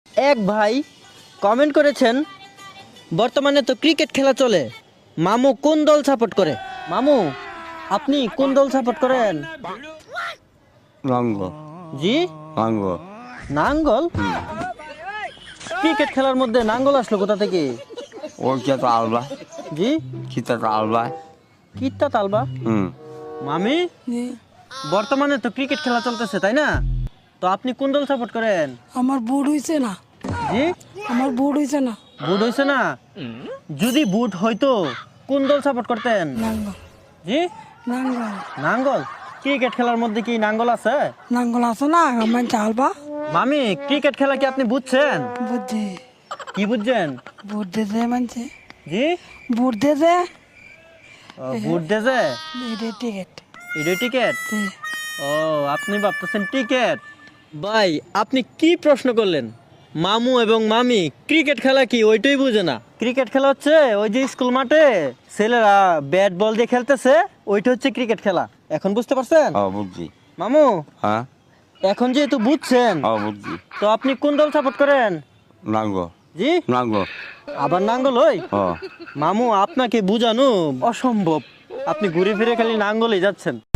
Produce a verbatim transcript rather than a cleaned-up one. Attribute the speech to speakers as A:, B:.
A: এক ভাই কমেন্ট করেছেন, বর্তমানে তো ক্রিকেট খেলা চলে, মামু কোন দল সাপোর্ট করে? মামু, আপনি কোন দল সাপোর্ট করেন?
B: নাঙ্গল
A: জি,
B: নাঙ্গল
A: নাঙ্গল। ক্রিকেট খেলার মধ্যে নাঙ্গল আসলো কোথা থেকে?
B: ওই তো আলবা
A: জি,
B: কিতা আলবা
A: কিত্তা তালবা।
B: হুম
A: মামি, বর্তমানে তো ক্রিকেট খেলা চলতেছে তাই না? তো আপনি কোন দল সাপোর্ট করেন?
C: আমার বুট হইছে না,
A: জি,
C: আমার বুট হইছে না।
A: বুট হইছে না? যদি বুট হইতো কোন দল সাপোর্ট করতেন?
C: নাঙ্গল
A: জি,
C: নাঙ্গল
A: নাঙ্গল। ক্রিকেট খেলার মধ্যে কি নাঙ্গল আছে?
C: নাঙ্গল আছে না, আমার চালবা
A: মামি, ক্রিকেট খেলা কি আপনি বুঝছেন?
C: বুদ্ধি
A: কি বুঝছেন?
C: বুট দিতে মানছে,
A: জি,
C: বুট দিতে
A: ও, বুট দেছে
C: এটা টিকিট।
A: এটা টিকেট। ও, আপনি ভাবতেছেন টিকেট। ভাই, আপনি কি প্রশ্ন করলেন? মামু এবং মামি ক্রিকেট খেলা কি ওইটাই বুঝে না। ক্রিকেট খেলা হচ্ছে ওই যে স্কুল মাঠে ছেলেরা ব্যাট বল দিয়ে খেলতেছে, ওইটা হচ্ছে ক্রিকেট খেলা। এখন বুঝতে পারছেন?
B: ও বুঝছি
A: মামু,
B: হ্যাঁ
A: এখন যেহেতু বুঝছেন,
B: ও বুঝছি
A: তো আপনি কোন দল সাপোর্ট করেন?
B: নাঙ্গল
A: জি,
B: নাঙ্গল
A: আবার নাঙ্গল ওই।
B: ও
A: মামু, আপনাকে বুঝানো অসম্ভব, আপনি ঘুরে ফিরে খালি নাঙ্গলেই যাচ্ছেন।